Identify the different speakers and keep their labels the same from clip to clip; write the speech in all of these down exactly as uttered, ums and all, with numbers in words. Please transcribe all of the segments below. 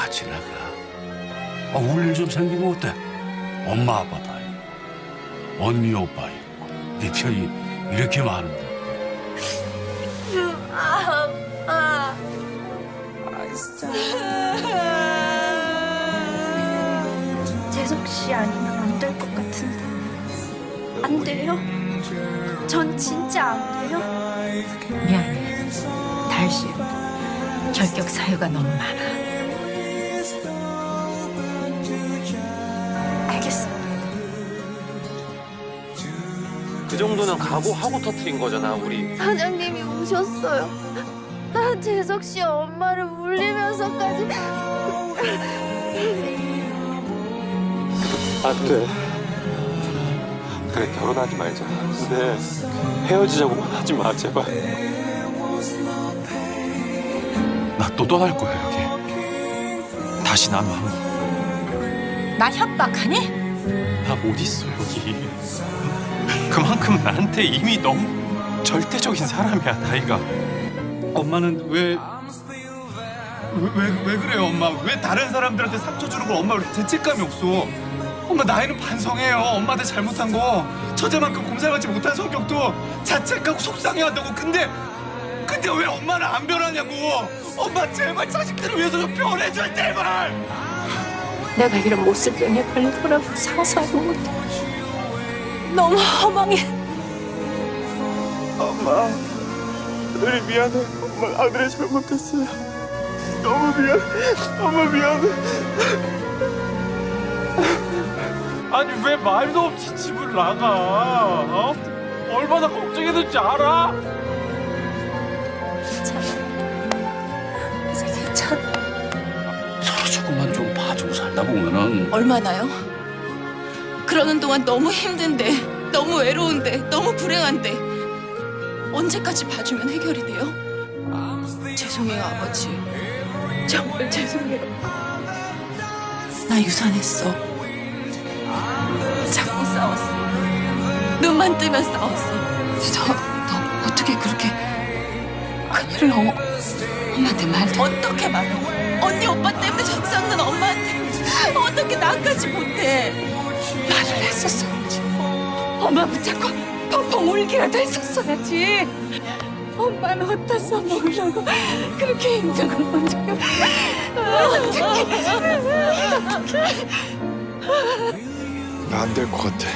Speaker 1: 같이 나가. 아, 울 일 좀 생기면 어때? 엄마 아빠 다 있고 언니 오빠 있고 네 편이 이렇게 많은데.
Speaker 2: 아, 아. 재석 씨 아니면 안 될 것 같은데. 안 돼요? 전 진짜 안 돼요?
Speaker 3: 미안해. 달씨, 결격 사유가 너무 많아.
Speaker 2: 알겠습니다.
Speaker 4: 그 정도는 각오하고 터트린 거잖아, 우리.
Speaker 2: 사장님이 우셨어요. 난 재석 씨 엄마를 울리면서까지.
Speaker 4: 안 돼. 그래, 결혼하지 말자. 근데 헤어지자고만 하지 마, 제발.
Speaker 5: 나 또 떠날 거야 여기. 다시 난 왕.
Speaker 3: 나 협박하니?
Speaker 5: 나 못 있어 여기. 그만큼 나한테 이미 너무 절대적인 사람이야 다이가. 엄마는 왜 왜, 왜, 왜 그래요 엄마? 왜 다른 사람들한테 상처 주는 걸 엄마 왜 이렇게 죄책감이 없어? 엄마 나이는 반성해요. 엄마한테 잘못한 거 처제만큼 곰살같이 못한 성격도 자책하고 속상해한다고. 근데 근데 왜 엄마는 안 변하냐고. 엄마 제발 자식들을 위해서 좀 변해줘 제발.
Speaker 3: 내가 이런 모습병에 걸릴 거라고 상상도 못해. 너무 허망해.
Speaker 4: 엄마, 아들이 미안해. 엄마, 아들이 잘못했어요. 너무 미안해. 엄마 미안해.
Speaker 5: 아니 왜 말도 없이 집을 나가? 어? 얼마나 걱정했는지 알아?
Speaker 3: 이제 괜찮아.
Speaker 1: 서로 조금만 좀 봐주고 살다 보면은.
Speaker 6: 얼마나요? 그러는 동안 너무 힘든데, 너무 외로운데, 너무 불행한데 언제까지 봐주면 해결이 돼요? 죄송해요, 아버지. 정말 죄송해요. 나 유산했어. 자꾸 싸웠어. 눈만 뜨면 싸웠어. 저, 너 어떻게 그렇게 큰일을 어, 엄마한테 말도 어떻게 말해? 언니 오빠 때문에 적상는 엄마한테 어떻게 나까지 못해? 말을 했었어야지. 엄마 붙잡고 펑펑 울기라도 했었어야지. 엄마는 어디다 써먹으려고 그렇게 힘든 걸 먼저.
Speaker 5: 나 안 될 것 같아.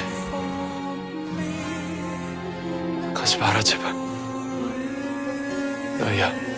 Speaker 5: 가지 마라 제발. 너희야.